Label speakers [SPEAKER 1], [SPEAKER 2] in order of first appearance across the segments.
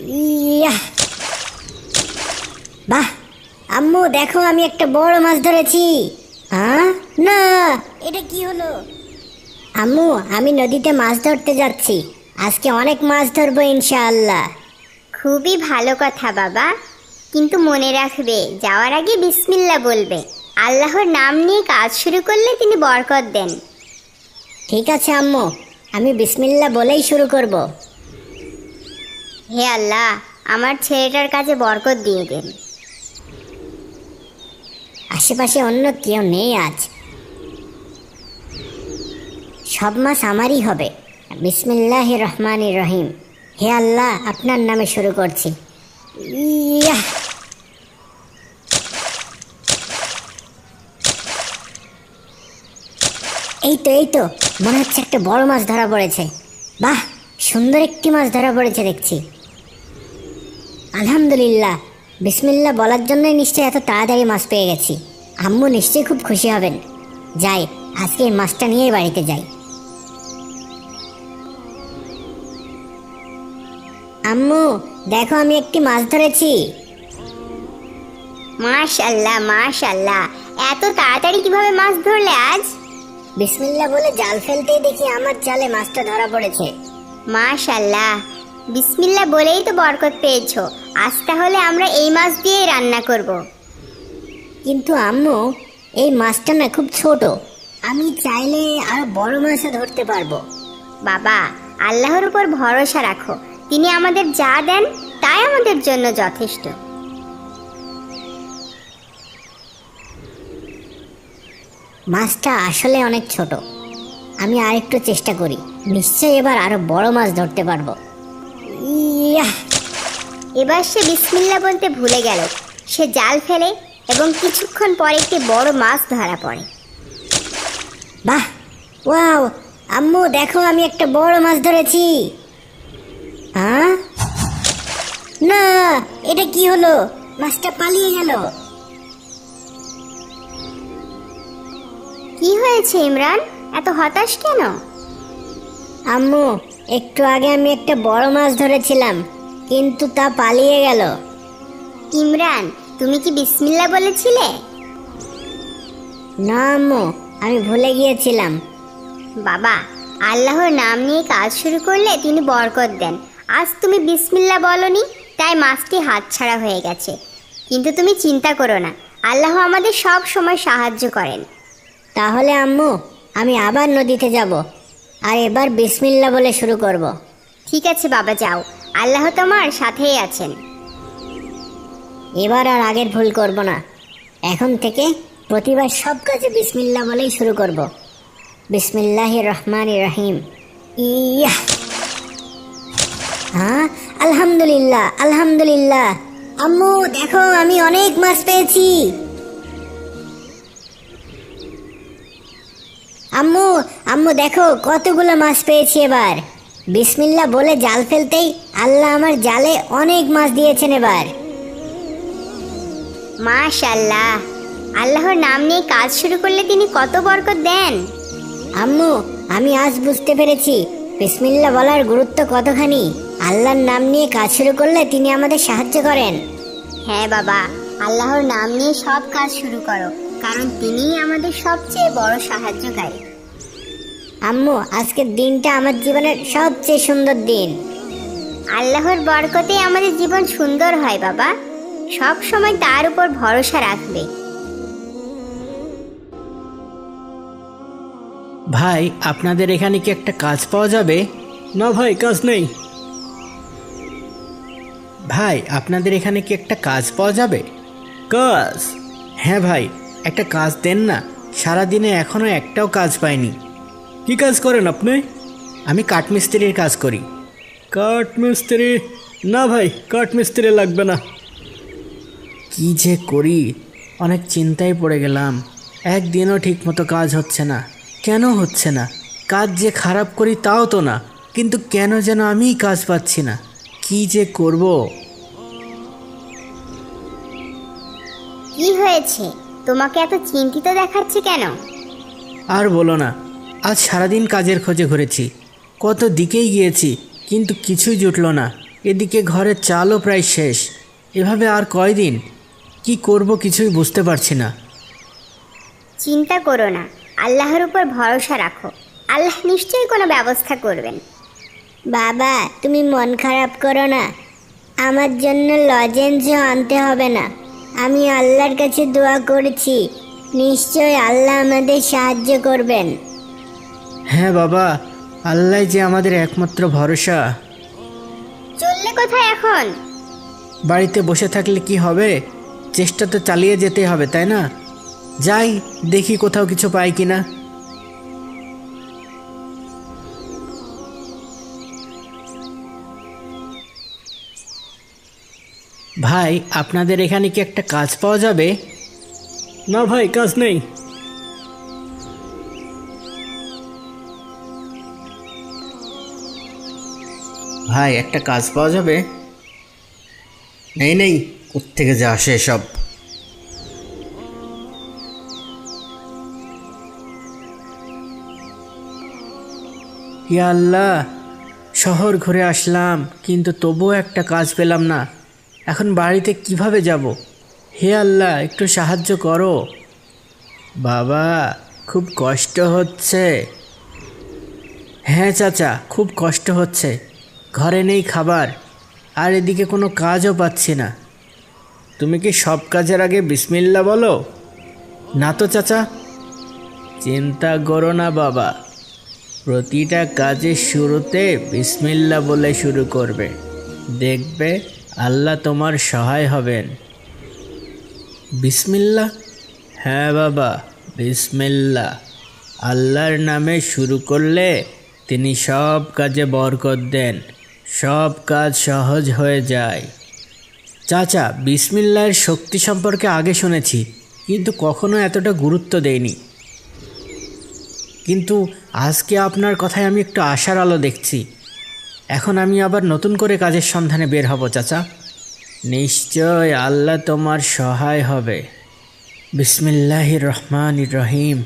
[SPEAKER 1] Yeah! বাহ আম্মু, দেখো আমি একটা বড় মাছ ধরেছি। না, এটা কি হলো? আম্মু, আমি নদীতে মাছ ধরতে যাচ্ছি। আজকে অনেক মাছ ধরবো ইনশাআল্লাহ।
[SPEAKER 2] খুবই ভালো কথা বাবা, কিন্তু মনে রাখবে যাওয়ার আগে বিসমিল্লাহ বলবে। আল্লাহর নাম নিয়ে কাজ শুরু করলে তিনি বরকত দেন।
[SPEAKER 1] ঠিক আছে আম্মু, আমি বিসমিল্লাহ বলেই শুরু করব।
[SPEAKER 2] হে আল্লাহ, আমার ছেলেটার কাছে বরকত দিয়ে দেন।
[SPEAKER 1] আশেপাশে অন্য কেউ নেই আজ, সব মাছ আমারই হবে। বিসমিল্লাহির রহমানির রহিম। হে আল্লাহ, আপনার নামে শুরু করছি। ইয়াহ! এই তো মনে হচ্ছে একটা বড় মাছ ধরা পড়েছে। বাহ, সুন্দর একটি মাছ ধরা পড়েছে দেখছি। আলহামদুলিল্লাহ, বিসমিল্লাহ বলার জন্যই নিশ্চয়ই এত তাড়াতাড়ি মাছ পেয়ে গেছি। আম্মু নিশ্চয়ই খুব খুশি হবেন। যাই, আজকে এই মাছটা নিয়ে বাড়িতে যাই। আম্মু, দেখো আমি একটি মাছ ধরেছি।
[SPEAKER 2] মাশাআল্লাহ মাশাআল্লাহ, এত তাড়াতাড়ি কিভাবে মাছ ধরলে আজ?
[SPEAKER 1] বিসমিল্লাহ বলে জাল ফেলতেই দেখি আমার জালে মাছটা ধরা পড়েছে।
[SPEAKER 2] মাশাআল্লাহ, বিসমিল্লাহ বলেই তো বরকত পেয়েছো। আজ তাহলে আমরা এই মাছ দিয়েই রান্না করব।
[SPEAKER 1] কিন্তু আম্মু, এই মাছটা না খুব ছোট। আমি চাইলে আরো বড় মাছও ধরতে পারবো।
[SPEAKER 2] বাবা, আল্লাহর উপর ভরসা রাখো। তিনি আমাদের যা দেন তাই আমাদের জন্য যথেষ্ট।
[SPEAKER 1] মাছটা আসলে অনেক ছোট। আমি আরেকটু চেষ্টা করি, নিশ্চয়ই এবার আরো বড় মাছ ধরতে পারবো। ইয়াহ!
[SPEAKER 2] এবার সে বিসমিল্লাহ বলতে ভুলে গেল। সে জাল ফেলে এবং কিছুক্ষণ পরে একটি বড় মাছ ধরা পড়ে।
[SPEAKER 1] বাহ, ওয়াও! আম্মু দেখো আমি একটা বড় মাছ ধরেছি। না, এটা কি হলো? মাছটা পালিয়ে গেল।
[SPEAKER 2] কি হয়েছে ইমরান, এত হতাশ কেন?
[SPEAKER 1] আম্মু, একটু আগে আমি একটা বড় মাছ ধরেছিলাম, কিন্তু তা পালিয়ে গেল।
[SPEAKER 2] ইমরান, তুমি কি বিসমিল্লাহ বলেছিলে?
[SPEAKER 1] না আম্মু, আমি ভুলে গিয়েছিলাম।
[SPEAKER 2] বাবা, আল্লাহর নাম নিয়ে কাজ শুরু করলে তিনি বরকত দেন। আজ তুমি বিসমিল্লাহ বলনি, তাই মাছটি হাতছাড়া হয়ে গেছে। কিন্তু তুমি চিন্তা করো না, আল্লাহ আমাদের সব সময় সাহায্য করেন।
[SPEAKER 1] তাহলে আম্মু, আমি আবার নদীতে যাব, আর এবার বিসমিল্লাহ বলে শুরু করব।
[SPEAKER 2] ঠিক আছে বাবা, যাও, আল্লাহ তোমার সাথেই আছেন।
[SPEAKER 1] এবার আর আগের ভুল করব না। এখন থেকে প্রতিবার সব কাজে বিসমিল্লাহ বলেই শুরু করব। বিসমিল্লাহির রহমানির রহিম। ইয়াহ! আলহামদুলিল্লাহ আলহামদুলিল্লাহ। আম্মু দেখো, আমি অনেক মাছ পেয়েছি। আম্মু আম্মু দেখো, কতগুলো মাছ পেয়েছি এবার। বিসমিল্লাহ বলে জাল ফেলতেই আল্লাহ আমার জালে অনেক মাছ দিয়েছেন এবার।
[SPEAKER 2] মাশাআল্লাহ, আল্লাহর নাম নিয়ে কাজ শুরু করলে তিনি কত বরকত দেন।
[SPEAKER 1] আম্মু, আমি আজ বুঝতে পেরেছি বিসমিল্লাহ বলার গুরুত্ব কতখানি। আল্লাহর নাম নিয়ে কাজ শুরু করলে তিনি আমাদের সাহায্য করেন।
[SPEAKER 2] হ্যাঁ বাবা, আল্লাহর নাম নিয়ে সব কাজ শুরু করো, কারণ তিনিই আমাদের সবচেয়ে বড় সাহায্যকারী।
[SPEAKER 1] আম্মু, আজকের দিনটা আমার জীবনের সবচেয়ে সুন্দর দিন।
[SPEAKER 2] আল্লাহর বরকতে আমাদের জীবন সুন্দর হয় বাবা। সব সময় তার উপর ভরসা রাখবে।
[SPEAKER 3] ভাই, আপনাদের এখানে কি একটা কাজ পাওয়া যাবে?
[SPEAKER 4] না ভাই, কাজ নেই।
[SPEAKER 3] ভাই, আপনাদের এখানে কি একটা কাজ পাওয়া যাবে?
[SPEAKER 4] কাজ?
[SPEAKER 3] হ্যাঁ ভাই, একটা কাজ দেন না। সারাদিনে এখনো একটাও কাজ পাইনি।
[SPEAKER 4] কি কাজ করেন আপনি?
[SPEAKER 3] আমি কাঠমিস্ত্রির কাজ করি।
[SPEAKER 4] কাঠমিস্ত্রি? না ভাই, কাঠমিস্ত্রি লাগবে না।
[SPEAKER 3] কি যে করি, অনেক চিন্তায় পড়ে গেলাম। একদিনও ঠিকমতো কাজ হচ্ছে না। কেন হচ্ছে না? কাজ যে খারাপ করি তাও তো না, কিন্তু কেন যেন আমিই কাজ পাচ্ছি না। কি যে করব?
[SPEAKER 2] কি হয়েছে, তোমাকে এত চিন্তিত দেখাচ্ছে কেন?
[SPEAKER 3] আর বলো না, আজ সারাদিন কাজের খোঁজে ঘুরেছি, কত দিকেই গিয়েছি, কিন্তু কিছুই জুটলো না। এদিকে ঘরের চালও প্রায় শেষ। এভাবে আর কয়দিন কি করব কিছুই বুঝতে পারছি না।
[SPEAKER 2] চিন্তা করো না, আল্লাহর উপর ভরসা রাখো, আল্লাহ নিশ্চয়ই কোনো ব্যবস্থা করবেন।
[SPEAKER 1] বাবা তুমি মন খারাপ করো না, আমার জন্য লজেন্সও আনতে হবে না। আমি আল্লাহর কাছে দোয়া করেছি, নিশ্চয় আল্লাহ আমাদের সাহায্য করবেন।
[SPEAKER 3] হ্যাঁ বাবা, আল্লাহ যে আমাদের একমাত্র ভরসা।
[SPEAKER 2] চললে কোথায় এখন?
[SPEAKER 3] বাড়িতে বসে থাকলে কি হবে, চেষ্টা তো চালিয়ে যেতে হবে, তাই না? যাই দেখি কোথাও কিছু পাই কিনা। ভাই, আপনাদের এখানে কি একটা কাজ পাওয়া যাবে?
[SPEAKER 4] না ভাই, কাজ নেই।
[SPEAKER 3] ভাই, একটা কাজ পাওয়া যাবে? নেই নেই, কোত্থেকে যে আসে সব। ইয়া আল্লাহ, শহর ঘুরে আসলাম কিন্তু তবুও একটা কাজ পেলাম না। এখন বাড়িতে কিভাবে যাব? হে আল্লাহ, একটু সাহায্য করো। বাবা, খুব কষ্ট হচ্ছে। হ্যাঁ চাচা, খুব কষ্ট হচ্ছে। ঘরে নেই খাবার, আর এদিকে কোনো কাজও পাচ্ছি না। তুমি কি সব কাজের আগে বিসমিল্লাহ বলো? না তো চাচা। চিন্তা করো না বাবা, প্রতিটা কাজের শুরুতে বিসমিল্লাহ বলে শুরু করবে, দেখবে আল্লাহ তোমার সহায় হবেন। বিসমিল্লাহ? হ্যাঁ বাবা, বিসমিল্লাহ। আল্লাহর নামে শুরু করলে তিনি সব কাজে বরকত দেন, সব কাজ সহজ হয়ে যায়। চাচা, বিসমিল্লাহর শক্তি সম্পর্কে আগে শুনেছি, কিন্তু কখনো এতটা গুরুত্ব দেইনি। কিন্তু আজকে আপনার কথায় আমি একটু আশার আলো দেখছি। এখন আমি আবার নতুন করে কাজের সন্ধানে বের হব চাচা। নিশ্চয় আল্লাহ তোমার সহায় হবে। বিসমিল্লাহির রহমানির রহিম।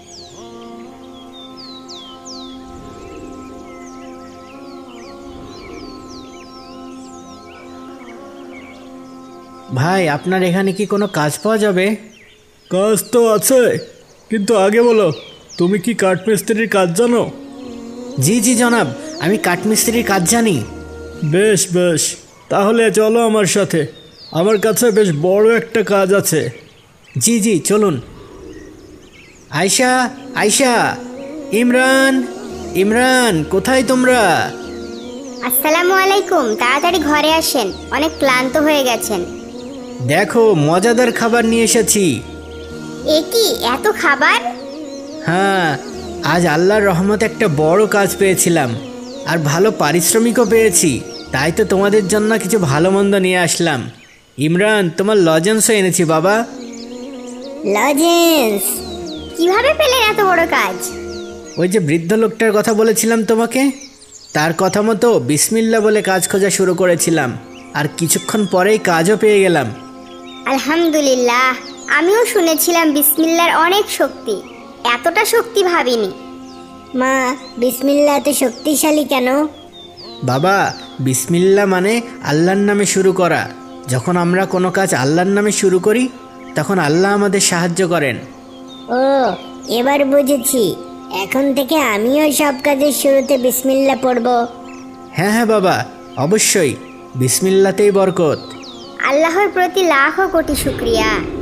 [SPEAKER 3] ভাই, আপনার এখানে কি কোনো কাজ পাওয়া যাবে?
[SPEAKER 4] কাজ তো আছে, কিন্তু আগে বলো, তুমি কি কাঠমিস্ত্রির কাজ জানো?
[SPEAKER 3] জি জি জনাব, আমি কাঠমিস্ত্রির কাজ জানি।
[SPEAKER 4] বেশ বেশ, তাহলে চলো আমার সাথে, আমার কাছে বেশ বড় একটা কাজ আছে।
[SPEAKER 3] জি জি চলুন। আয়শা, আয়শা, ইমরান, ইমরান, কোথায় তোমরা?
[SPEAKER 2] আসসালামু আলাইকুম, তাড়াতাড়ি ঘরে আসেন, অনেক ক্লান্ত হয়ে গেছেন।
[SPEAKER 3] দেখো, মজাদার খাবার নিয়ে এসেছি।
[SPEAKER 2] এ কি এত খাবার?
[SPEAKER 3] হ্যাঁ, আজ আল্লাহর রহমতে একটা বড় কাজ পেয়েছিলাম, আর ভালো পারিশ্রমিকও পেয়েছি। তাই তো তোমাদের জন্য কিছু ভালো মন্দ নিয়ে আসলাম। ইমরান, তোমার লজেন্সও এনেছি বাবা।
[SPEAKER 1] লজেন্স?
[SPEAKER 2] কিভাবে পেলেন এত বড় কাজ?
[SPEAKER 3] ওই যে বৃদ্ধ লোকটার কথা বলেছিলাম তোমাকে, তার কথা মতো বিসমিল্লাহ বলে কাজ খোঁজা শুরু করেছিলাম, আর কিছুক্ষণ পরেই কাজও পেয়ে গেলাম।
[SPEAKER 2] আলহামদুলিল্লাহ, আমিও শুনেছিলাম বিসমিল্লাহর অনেক শক্তি, এতটা শক্তি ভাবিনি।
[SPEAKER 1] মা, বিসমিল্লাহ এত শক্তিশালী কেন?
[SPEAKER 3] বাবা, বিসমিল্লাহ মানে আল্লাহর নামে শুরু করা। যখন আমরা কোনো কাজ আল্লাহর নামে শুরু করি, তখন আল্লাহ আমাদের সাহায্য করেন।
[SPEAKER 1] ও, এবার বুঝেছি। এখন থেকে আমিও সব কাজের শুরুতে বিসমিল্লাহ পড়ব।
[SPEAKER 3] হ্যাঁ হ্যাঁ বাবা, অবশ্যই, বিসমিল্লাতেই বরকত।
[SPEAKER 2] আল্লাহর প্রতি লাখো কোটি শুকরিয়া।